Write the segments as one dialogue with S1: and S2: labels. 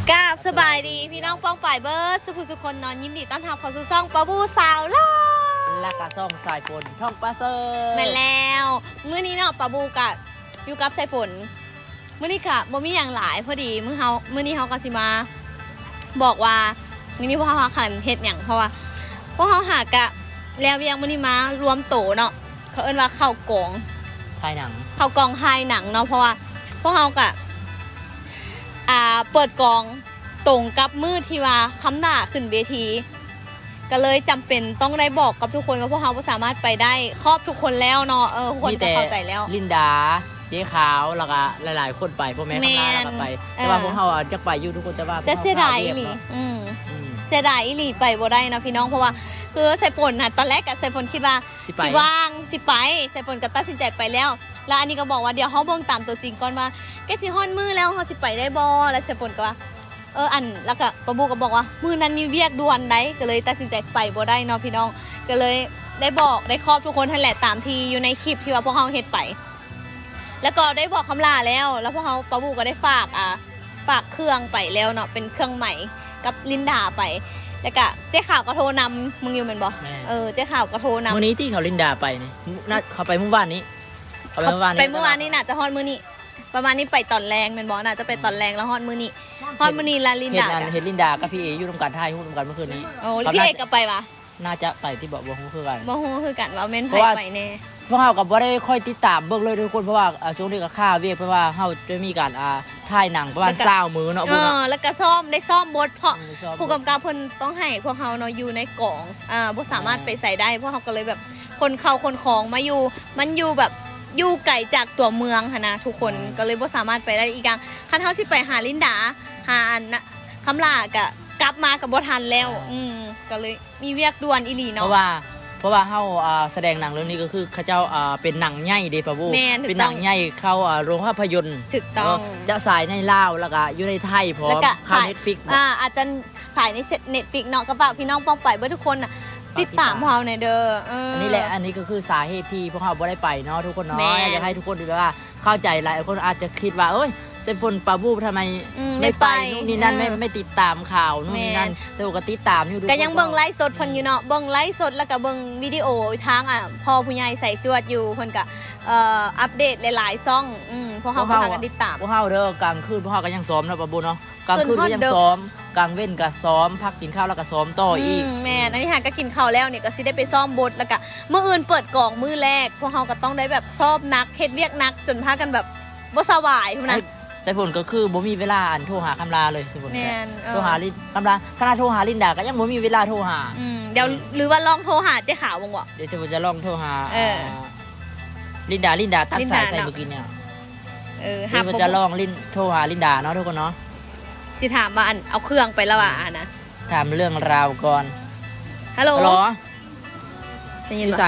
S1: กราบสบายดีพี่น้องป้องป่ายเบิร์ดสุคนนอนยินดีต้อนรับเข้าสู่ซ่องปะบูสาวล่า
S2: และกระซ่องสายฝนท่องปลาเซอร์
S1: แม่แล้วมื้อนี้เนาะปะบูกะอยู่กับสายฝนมื้อนี้กะบ่มีอย่างหลายพอดีมื้อนี้เฮาก็สิมาบอกว่ามื้อนี้พวกเฮาหันเฮ็ดหยังเพราะว่าพวกเฮาหากะแล้วยังมื้อนี้มารวมโตเนาะเขาเอิ้นว่าเข้ากอง
S2: ถ่ายหนัง
S1: เข้ากองถ่ายหนังเนาะเพราะว่าพวกเฮากะเปิดกองตรงกับมือที่ว่าคำหน้าขึ้นเวทีก็เลยจำเป็นต้องได้บอกกับทุกคนว่าพวกเขาสามารถไปได้ครอบทุกคนแล้วเนาะทุกคนจะเข้าใจแล้ว
S2: ลินดาเจ๊ขาวแล้วก็หลายๆคนไปพ่อแม่คำลาแล้วก็ไปแต่ว่าพวกเขาจะไปอยู่ทุกคนจะว่า
S1: แต่เสียดายอีหลีเสียดายอีหลีไปบ่ได้นะพี่น้องเพราะว่าคือใส่ฝนนะตอนแรกกับใส่ฝนคิดว่าสิว่างสิไปใส่ฝนก็ตัดสินใจไปแล้วแล้วอันนี้ก็บอกว่าเดี๋ยวเขาเบิ่งตามตัวจริงก่อนว่าแกสิฮ้อนมือแล้วเขาสิไปได้บ่แล้วใส่ฝนก็ว่าแล้วก็ปะบูก็บอกว่ามือนั้นมีเวียกด่วนได้ก็เลยตัดสินใจไปบ่ได้เนาะพี่น้องก็เลยได้บอกได้ครอบทุกคนนั่นแหละตามที่อยู่ในคลิปที่ว่าพวกเขาเฮ็ดไปแล้วก็ได้บอกคำลาแล้วพวกเขาปะบูก็ได้ฝากเครื่องไปแล้วเนาะเป็นเครื่องใหม่กับลินดาไปแล้วก็เจ๊ข่าวก็โทรนำมึงอยู่เป็นบ่เจ๊ข่าวก็โทรนำ
S2: มื้อนี้ที่เขาลินดาไปนี่น่าเขาไปเมื่อวานนี้
S1: ไปเมื่อวานนี้น่ะจะฮอดมื้อนี้ประมาณนี้ไปตอนแรงเป็นบ่น่ะจะไปตอนแรงแล้วฮอดมื้อนี้ลาลินดา
S2: เห็นลินดากับพี่เออยู่ร่วมกันถ่ายรูปร่วมกันเมื่อคืนนี้
S1: โอ้พี่เอก็ไปวะ
S2: น่าจะไปที่บ่ฮู้คือกัน
S1: บ่ฮู้คือกันว่าแม่นไปแน่
S2: พวกเฮาก็บ่ได้ค่อยติดตามเบิ่งเลยทุกคนเพราะว่าช่วงนี้ก็ค่าเวียกเพราะว่าเฮาจะมีการถ่ายหนังประมาณ20มื้อเนาะ
S1: แล้วก็ได้ซ่อมบทเพราะผู้กำกับเพิ่นต้องให้พวกเฮาเนาะอยู่ในกองบ่สามารถไปใส่ได้พวกเฮาก็เลยแบบคนเข้าคนของมาอยู่มันอยู่แบบอยู่ไกลจากตัวเมืองค่ะนะทุกคนก็เลยบ่สามารถไปได้อีกอย่างคันเฮาสิไปหาลินดาหาอันนะคำลาก็กลับมากับบ่ทันแล้วก็เลยมีเวียกด่วนอีหลีเนาะ
S2: เพราะว่าเฮาแสดงหนังเรื่องนี้ก็คือเขาเจ้าเป็นหนังใหญ่เด้ป่ะบูเป็นหนังใหญ่เข้าโรงภาพยนตร์
S1: ถูกต้อง
S2: จะฉายในลาวแล้วก็อยู่ในไทยพร้อมเข้า Netflix
S1: อาจจะฉายใน Netflix เนาะก็ฝากพี่น้องป้องไปเบิดทุกคนน่ะติดตามพวกเราในเด้อ
S2: อันนี้แหละอันนี้ก็คือสาเหตุที่พวกเราบ่ได้ไปเนาะทุกคนเนาะอยากให้ทุกคนแบบว่าเข้าใจหลายคนอาจจะคิดว่าเอ้ยเซฟนปาบูทำไมไม่ไปนู่นนี่นั่นไม่ติดตามข่าวนู่นนี่นั่นสนุกก็ติดตามอยู่
S1: ก็ยังเบิ่งไลฟ์สดเพิ่นอยู่เนาะเบิ่งไลฟ์สดแล้วก็เบิ่งวิดีโอทางพ่อผู้ใหญ่ใส่จวดอยู่เพิ่นก็อัปเดตหลายๆซ่องพวกเฮาก็พากันติดตาม
S2: พวกเฮาเด้อกลางคืนพวกเฮาก็ยังซ้อมนะปาบูเนาะกลางคืนก็ยังซ้อมกลางเว้นก็ซ้อมพักกินข้าวแล้วก็ซ้อมต่ออีก
S1: แม่อันนี้หาก็กินข้าวแล้วเนี่ยก็สิได้ไปซ้อมบทแล้วก็มื้ออื่นเปิดกองมื้อแรกพวกเฮาก็ต้องได้แบบซ้อมนักเฮ็ดเวียกนักจนพากันแบบบ่สบายพุ่นน่ะ
S2: สายฝนก็คือบ่มีเวลาโทรหาคำลาเลยสายฝนโทรหาลินคำลาขณะโทรหาลินดาก็ยังบ่มีเวลาโทรหา
S1: เดี๋ยวหรือว่าลองโทรหาเจ๊ขาวบ้างวะ
S2: เดี๋ยวสายฝนจะลองโทรหาลินดาตัดสายใส่เมื่อกี้เนี่ยสายฝนจะลองโทรหาลินดาเนาะทุกคนเนาะ
S1: สิถามว่าเอาเครื่องไปแล้วอ่ะนะ
S2: ถามเรื่องราวก่อน
S1: ฮัลโหล
S2: อยู่ไส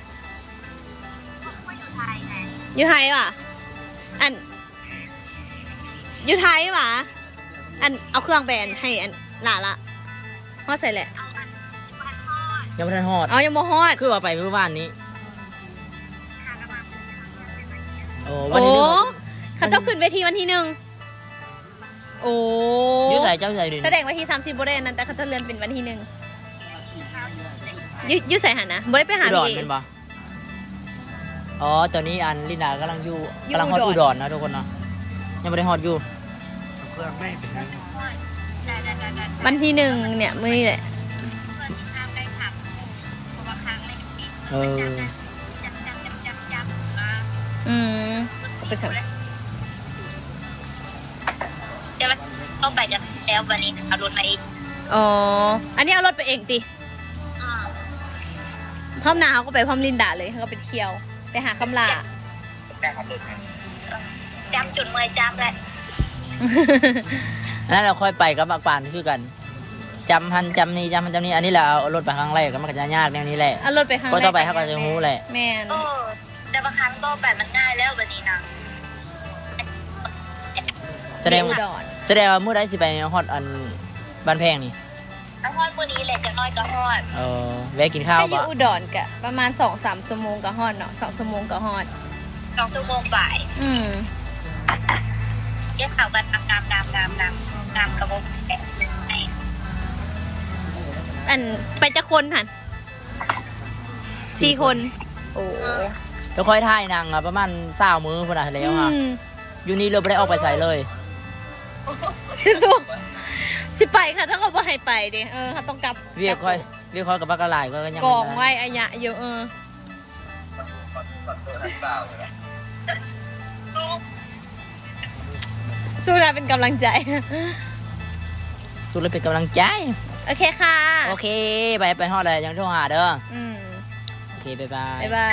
S1: อยู่ไทยว่ะอยู่ไทยว่ะเอาเครื่องไปให้หล่าละฮอดใส่แหละ
S2: ยังไม่ทันฮอด
S1: ยังบ่ฮอด
S2: คือว่าไปเมื่อวานนี้
S1: วันที่เขาเจ้าขึ้นเวทีวันที่1
S2: ยุใส่เจ้าใส่ดิ
S1: แสดงวันที่30บ่ได้นั่นแต่เขาจะเลื่อนเป็นวันที่1ยุใส่หันนะบ่ได้ไปหา
S2: พี่เป็นบ่ตอนนี้ลินดากำลังฮอดอุดรนะทุกคนเนาะยังไม่ได้ฮอดอยู่
S1: วันที่1เนี่ยมื้อนี้แหละไปสั่ง
S3: เดี๋ยวต้องไปกันแล้ววันนี้เอารถมาเอง
S1: อันนี้เอารถไปเองติพร้อมนาเขาก็ไปพร้อมลินดาเลยเขาก็ไปเที่ยวไปหาคำลา
S3: จำจุดเมื่อยจำแหละ
S2: นั่นเราค่อยไปกับปากปานคือกันจำพันจำนี้อันนี้แหละเอารถไปครั้งแรกก็มันก็จะยากแนวนี้แหละ
S1: เอารถไปครั้งแรก
S2: ก็ต่อไปเขาก็จะรู้แหละ
S1: แม่น
S3: แต่บางครั้งก็แบบมันง่ายแล้ววันนี้นะ
S2: แสดงว่าเมื่อใดสิไปฮอดบ้านแพงนี่
S3: ฮอดมื้อนี้แหละจักน้อยก็ฮอด
S2: แวะกินข้าว
S1: บ่อยู่อุดรก็ประมาณ 2-3 ชั่วโมงก็ฮอดเนาะ2 ชั่วโมงก็ฮอด
S3: 2 ชั่วโมงบ่ายเก็บข่าวกันงามกระบอกแบบไหน
S1: อันไปจะคนหัน4 คนโอ้
S2: เดี๋ยวค่อยถ่ายหนังประมาณ20 มื้อพุ่นน่ะแล้วค่ะอยู่นี่เราไม่ได้ออกไปใส่เลย
S1: สู้ๆสิไปค่ะถ้าเขาบ่ให้ไปดิเขาต้องกลับ
S2: เวียกค่อยกับบักกะหลายก็ยัง
S1: กองไว้อายะเยอะสู้นะเป็นกำลังใจ
S2: สู้เลยเป็นกำลังใจ
S1: โอเคค่ะ
S2: โอเคไปฮอดเลยยังโทรหาเด้อ
S1: อืม
S2: โอเคบ๊ายบาย
S1: บ๊ายบาย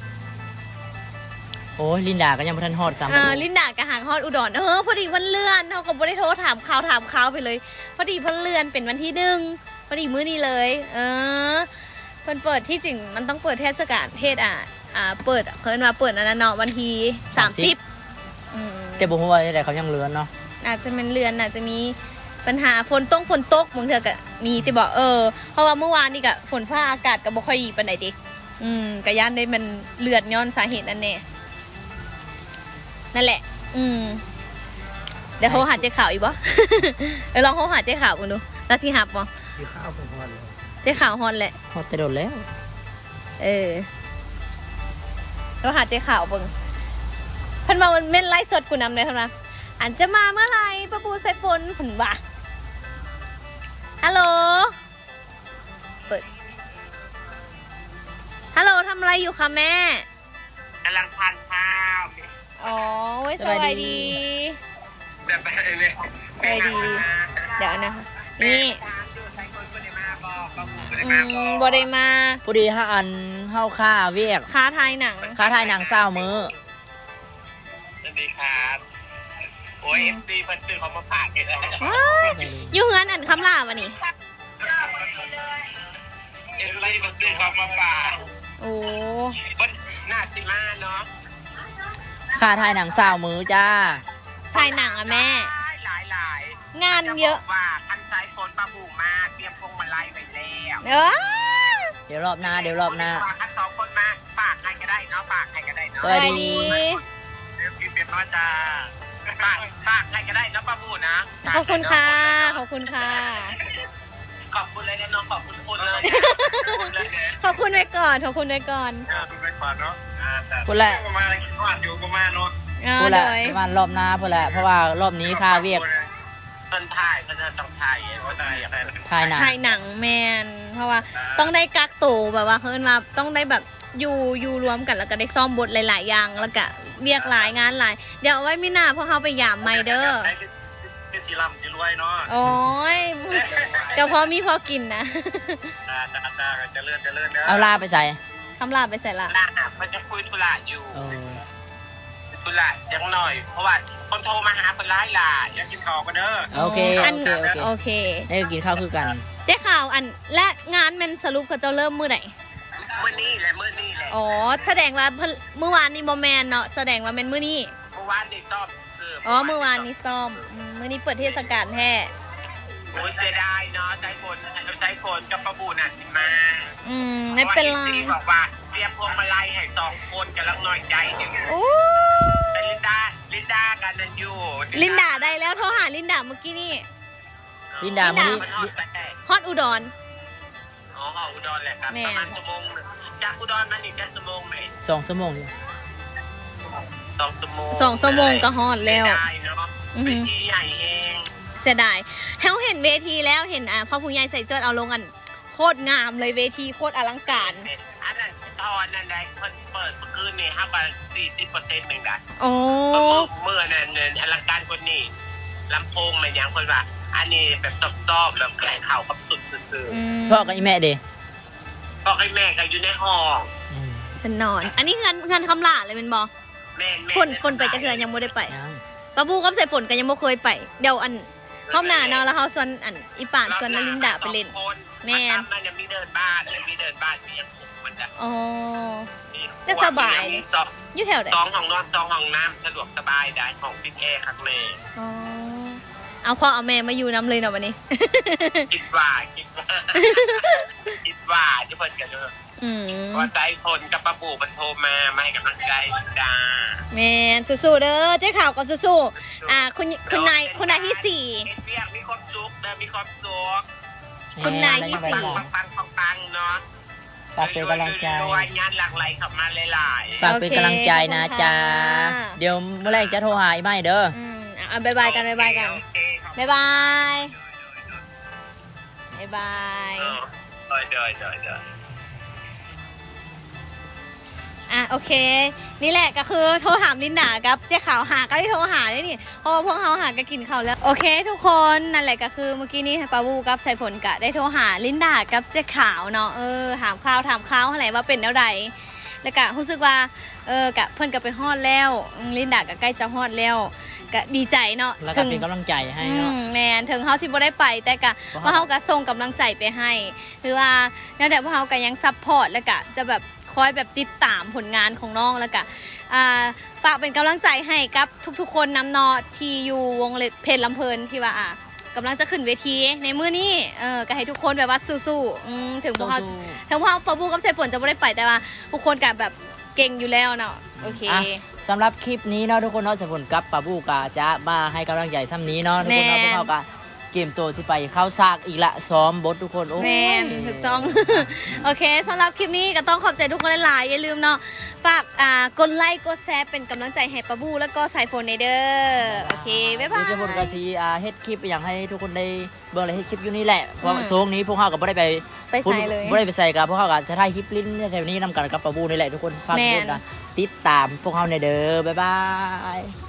S2: โอ้ยลินดาก็ยังบ่ทันฮอดซ้ำ
S1: ลินดากะหางฮอดอุดรพอดีวันเลื่อนเขาก็บ่ได้โทรถามข่าวไปเลย พอดีเพิ่นเลื่อนเป็นวันที่1พอดีมื้อนี้เลย เพิ่นเปิดที่จริงมันต้องเปิดเทศกาลเทศเปิดเขาเรียกว่าเปิดอันนั้นเนาะวันที่30
S2: แต่บ่ฮู้ว่าได้เขายังเลือนเนาะ
S1: อาจจะเป็นเรือนอาจจะมีปัญหาฝนตกบางเทื่อก็มีที่บอกเพราะว่าเมื่อวานนี่ก็ฝนฟ้าอากาศก็บ่ค่อยดีปานใดดิก็ย่านได้มันเลือนย้อนสาเหตุนั่นแน่นั่นแหละเดี๋ยวโทรหาเจ๊ข่าวอีกบ่ ลองโทรหาเจ๊ข่าวกันดูแล้วสิหับบ่
S4: ที่ข้าวเป็นฮอนเลย
S1: เจ๊ข่าวฮอนแหละ
S2: ฮอดแต่โดนแล้ว
S1: โทรหาเจ๊ข่าวเบิ่งเพิ่นว่ามันเม่นไลฟ์สดกูนำเลยเท่านั้นอันจะมาเมื่อไหร่ป้าปูใส่ฝนผนว่าฮัลโหลเปิดฮัลโหลทำอะไรอยู่คะแม่
S5: กำลังทานข้าว
S1: อ๋อสบายดี
S5: เสียไปเลย
S1: สบายดี เดี๋ยวนะคะนี่บอได้มา
S2: พอดีถ้าอันเฮาค่าเวียก
S1: ค้าทายหนัง
S2: ค่าถ่ายหนัง20 มื้อ
S5: สวัสดีครับโอ้ย FC เพิ่นซื้อเขามาฝากกันเลย
S1: ว้าวอยู่เฮือนอันคำลาวะนี่
S5: FC เพิ่นซื้อเขามาฝาก
S1: โอ้
S5: เพิ่นหน้าซิมาเนาะ
S2: ค่าถ่ายหนัง20 มื้อจ้า
S1: ทายหนังอะแม่
S5: หลาย
S1: งานเยอะ
S5: ว่าคันใช้ฝนปลาบูมาเตรียมพวงมาลัยไว้แล้ว
S2: เดี๋ยวรอบหน้า
S5: คัน2 คนมาฝากใครก็ได้เนาะฝากใครก็ได้เนาะ
S2: สวัสดี
S5: เดี๋ยวกินเป็นว่าจะฝากใครก็ได้เนาะปลาบูนะ
S1: ขอบคุณค่ะ ขอบคุณค่ะ
S5: ขอบคุณเลยนะน้องขอบคุณคุณเลย
S1: ขอบคุณไว้ก่อน ขอบคุณไว้ก่อน
S5: ดูไปก่อนเนาะ
S2: พูดแหละ
S5: ประมาณว่าอยู่ประมาณเนาะ
S2: พูด
S1: เล
S2: แหละ
S1: ย
S2: ประมาณรอบหน้าพูดแหละเพราะว่ารอบนี้ค่าเวียก
S5: เพิ่นถ่ายเพิ่นต้องถ่ายว่าได้อะไร
S2: ถ่ายหนัง
S1: ถ่ายหนังแมนเพราะว่าต้องได้กักตัวแบบว่าเขาเรียกว่าต้องได้แบบอยู่รวมกันแล้วก็ได้ซ่อมบทหลายๆอย่างแล้วก็เรียกหลายงานหลายเดี๋ยวเอาไว้ไม่น่าเพราะเขาไปยามไม่เด้อ
S5: เป็นสีลำสีรวยเนาะ
S1: โอ้ยก็พอมีพอกินนะ
S5: จ้าจะเลื่อนเด้อ
S2: เอาลาไปใส่
S1: คำลาไปใส่ละ
S5: ล่าเพิ่นจะคุยธุระอยู่
S2: เออ
S5: ธุระยังหน่อยเพราะว่าคนโทรมาหาเพิ่นหลายล่ะอยากกินข้าวกันเด้อ
S2: โอเค
S1: โอเค
S2: ได้กินข้าวคือกัน
S1: เจ๊ข่าวอันและงานมันสรุปเขาจะเริ่มมื้อไหน
S5: มื้อนี้แหละ
S1: อ๋อแสดงว่าเมื่อวานนี้โมแมนเนาะแสดงว่าเป็นมื้อนี้
S5: เมื่อวานนี่ซ่อมซื้อ
S1: อ๋อเมื่อวานนี้ซ่อมมื้อนี้เปิดเทศกาลแท้
S5: โอ้ยเสียดายเนาะใจคนกับประบูน่ะสิมา
S1: ไม่เป็นไร
S5: พาะว่า FC บอกว่าเตรียมพวงมาลัยให้2 คนกำลังน้อยใจอยู่
S1: โอ้
S5: แต่ลินดากันนั่นอยู่
S1: ลินดาได้แล้วโทรหาลินดาเมื่อกี้นี่
S2: ลินดามื้อนี้
S5: มันฮอดแต่
S1: ฮอตอุดร
S5: อ๋ออุดรแหละครับ
S1: แม่
S5: ประมาณชั่วโมงหนึ่งจากอุดรมานี่แค่ชั่วโมงไหม
S2: 2 ชั่วโมง
S5: 2 ชั่วโมง
S1: 2 ชั่วโมงก็ฮอตแล้ว
S5: ไม่ได้เนาะ
S1: อือหื
S5: เป็
S1: อ
S5: นที่ใหญ่เอง
S1: เสียดายเขาเห็นเวทีแล้วเห็นพ่อผู้ใหญ่ใส่เจิดเอาลงกันโคตรงามเลยเวทีโคตรอลังการ
S5: อันนั้นตอนนั้นได้เพิ่นเปิดเมื่อคืนนี่5 บาท 40%หนึ่งได้
S1: โอ้
S5: เมื่อนั้นอลังการคนนี้ลำโพงมันยังคนว่า อันนี้แบบซอบๆแบบแกล้งเข่ากับสุดซื่อ
S2: พ่อกับอีแม่เด้
S5: ๆพ่อให้แม่ก็อยู่ในห้อง
S1: เป็นนอน อันนี้เงินคำลาเลยเป็นบอ
S5: แม่
S1: คนไปจะเถื่อนยังไม่ได้ไป
S2: ยัง
S1: ปะบูกับใส่ฝนกันยังไม่เคยไปเดี๋ยวอันเข้าหน้าเนาะแล้วเขาส่วนอันอีป่านส่วนนลินดาไปเล่น แม่
S5: มันยังมีเดินบ้านมีเดินบ้านมียังคงมันจะ
S1: อ๋อ
S5: มี
S1: จะสบายเลย
S5: สอง
S1: อยู่แถวไหน
S5: 2 ห้องนอน2 ห้องน้ำสะดวกสบายได้ของพี่แอร์ครับแม่
S1: อ๋อเอาพ่อเอาแม่มาอยู่น้ำเลยเนาะวันนี้
S5: คิดว่าคิดว่าที่เพิ่นกันเลย ว่าใจคนกับป้าปู่มันโทรมาให้กำลังใจจ้า
S1: แมนสู้ๆเด้อเจ๊ข่าวก็สู้ๆคุณนายที่สี่
S5: เฮ็ดเวียกมีความสุขนะมีความสุข
S1: คุณนายที่สี่
S5: ปังเนาะ
S2: ฝากเป็นกำลังใจ
S5: รวยงานหลากหลายเข้ามาหลายๆ
S2: ฝากเป็นกำลังใจนะจ๊ะเดี๋ยวเมื่อไรจะโทรหาอีไม่เด้อ
S1: บายบายกันบายบายกัน
S5: โอเคครับ
S1: บายบายบายบาย
S5: เดี๋ยว
S1: โอเค นี่แหละก็คือโทรถามลินดากับเจ๊ขาวหาก็ได้โทรหาได้นี่เพราะว่าพวกเขาหาก็กินข้าวแล้วโอเคทุกคนนั่นแหละก็คือเมื่อกี้นี้ปาวูกับสายฝนกะได้โทรหาลินดากับเจ๊ขาวเนาะถามข่าวอะไรว่าเป็นแล้วใดแล้วก็รู้สึกว่ากะเพิ่นก็ไปฮอดแล้วลินดาก็ใกล้จะฮอดแล้วก็ดีใจเนาะ
S2: แล้วก็เป็นกำลังใจให้เนาะ
S1: แมนถึงเขาสิบ่ได้ไปแต่ก็ว่าเขาก็ส่งกำลังใจไปให้หรือว่านั่นแหละว่าเขาก็ยังซัพพอร์ตแล้วก็จะแบบคอยแบบติดตามผลงานของน้องแล้วก็ฝากเป็นกำลังใจให้กับทุกๆคนนำเนาะที่อยู่วงเพลงลำเพลินที่ว่ากำลังจะขึ้นเวทีในมื้อนี้ก็ให้ทุกคนแบบว่าสู้ๆถึงพวกเขาปะบูกับเสฝนจะไม่ได้ไปแต่ว่าทุกคนก็แบบเก่งอยู่แล้วเนาะโอเค
S2: สำหรับคลิปนี้เนาะทุกคนเนาะสายฝนกับปาบูกาจะมาให้กำลังใจซ้ำนี้เนาะทุกคนเนาะพวกเขาก็เกมตัวที่ไปเข้าซากอีกละซ้อมบททุกคนโอ้
S1: แมนถูกต้อง โอเคสำหรับคลิปนี้ก็ต้องขอบใจทุกคนหลายๆอย่าลืมเนาะฝากกดไลค์กดแชร์เป็นกำลังใจให้ปะบูแล้วก็สายฝนในเด้อโอเคบ๊ายบาย
S2: เดี๋ยวสายฝนกาซีเฮ็ดคลิปอย่างให้ทุกคนได้เบิ่งเลยเฮ็ดคลิปอยู่นี่แหละเพราะโซงนี้พวกเขาก็บ่ได้ไป
S1: ใส่เลย
S2: บ่ได้ไปใส่กับพวกเขาก็จะถ่ายคลิปลิ้นแถวนี้นำกันกับปาบูนี่แหละทุกคนฝากด้วยนะติดตามพวกเขาในเด้อบ๊ายบาย